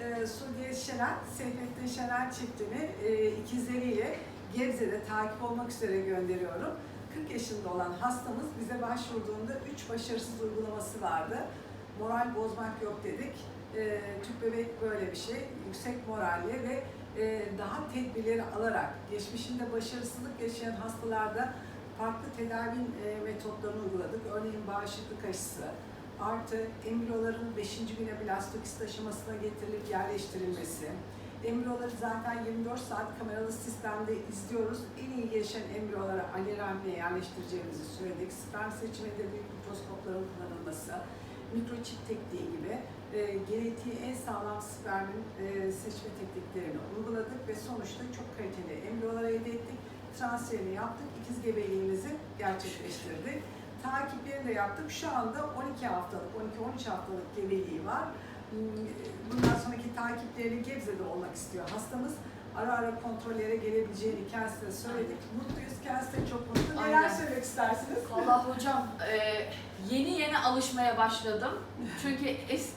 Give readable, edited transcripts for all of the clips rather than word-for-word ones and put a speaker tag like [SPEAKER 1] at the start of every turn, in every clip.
[SPEAKER 1] Sudiye Şener, Seyfettin Şener çiftini ikizleriyle Gebze'de takip olmak üzere gönderiyorum. 40 yaşında olan hastamız bize başvurduğunda 3 başarısız uygulaması vardı. Moral bozmak yok dedik. Tüp bebek böyle bir şey. Yüksek moralli ve daha tedbirleri alarak geçmişinde başarısızlık yaşayan hastalarda farklı tedavi metotlarını uyguladık. Örneğin bağışıklık aşısı, artı embriyoların 5. güne blastokist aşamasına getirilip yerleştirilmesi. Embriyoları zaten 24 saat kameralı sistemde izliyoruz. En iyi gelişen embriyolara alerjimle yerleştireceğimizi söyledik. Sperm seçiminde büyük mikroskopların kullanılması, mikroçip tekniği gibi genetiği en sağlam spermin seçme tekniklerini uyguladık ve sonuçta çok kaliteli embriyolar elde ettik. Transferini yaptık, ikiz gebeliğimizi gerçekleştirdik. Takiplerini de yaptık. Şu anda 12 haftalık, 12-13 haftalık gebeliği var. Bundan sonraki takipleri Gebze'de olmak istiyor hastamız. Ara ara kontrollere gelebileceğini kendisine söyledik. Mutluyuz, kendisi de çok mutlu. Neler söylemek istersiniz?
[SPEAKER 2] Vallahi hocam yeni alışmaya başladım. Çünkü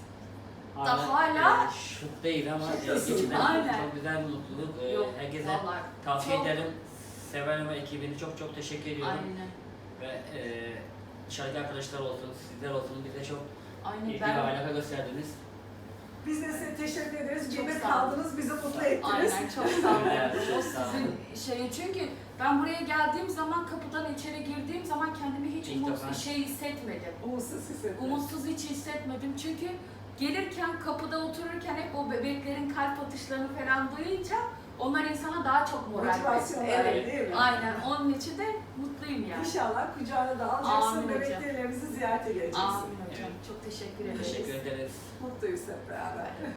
[SPEAKER 2] hala
[SPEAKER 3] şut değil ama
[SPEAKER 1] Şuradasın.
[SPEAKER 3] içinden
[SPEAKER 2] Aynen.
[SPEAKER 3] çok güzel bir mutluluk.
[SPEAKER 2] Yok,
[SPEAKER 3] Herkese
[SPEAKER 2] vallahi
[SPEAKER 3] tavsiye
[SPEAKER 2] çok-
[SPEAKER 3] ederim. Sever ve ekibini çok teşekkür ediyorum.
[SPEAKER 2] Aynen.
[SPEAKER 3] Ve dışarıdaki arkadaşlar olsun, sizler olsun bize çok
[SPEAKER 2] Aynen.
[SPEAKER 3] ilgi ve alaka gösterdiniz.
[SPEAKER 1] Biz de size teşekkür ederiz.
[SPEAKER 2] Çok
[SPEAKER 1] Gebe
[SPEAKER 2] sağ olun.
[SPEAKER 1] kaldınız, bizi mutlu ettiniz.
[SPEAKER 2] Aynen, çok sağ olun.
[SPEAKER 3] Evet,
[SPEAKER 2] O
[SPEAKER 3] çok sağ olun.
[SPEAKER 2] sizin şeyi, çünkü ben buraya geldiğim zaman, kapıdan içeri girdiğim zaman kendimi hiç
[SPEAKER 3] İlk defa.
[SPEAKER 2] hissetmedim.
[SPEAKER 1] Umutsuz hissettim.
[SPEAKER 2] Umutsuz hiç hissetmedim çünkü gelirken, kapıda otururken hep o bebeklerin kalp atışlarını falan duyunca onlar insana daha çok moral
[SPEAKER 1] Motivasyon
[SPEAKER 2] veriyor.
[SPEAKER 1] veriyor,
[SPEAKER 2] Evet,
[SPEAKER 1] değil mi?
[SPEAKER 2] Aynen. Onun için de mutluyum yani.
[SPEAKER 1] İnşallah kucağına da alacaksın,
[SPEAKER 2] Amin hocam.
[SPEAKER 1] bebeklerimizi ziyarete geleceksin.
[SPEAKER 2] Amin hocam. Çok teşekkür ederim.
[SPEAKER 3] Teşekkür ederiz.
[SPEAKER 1] Mutluyuz hep beraber.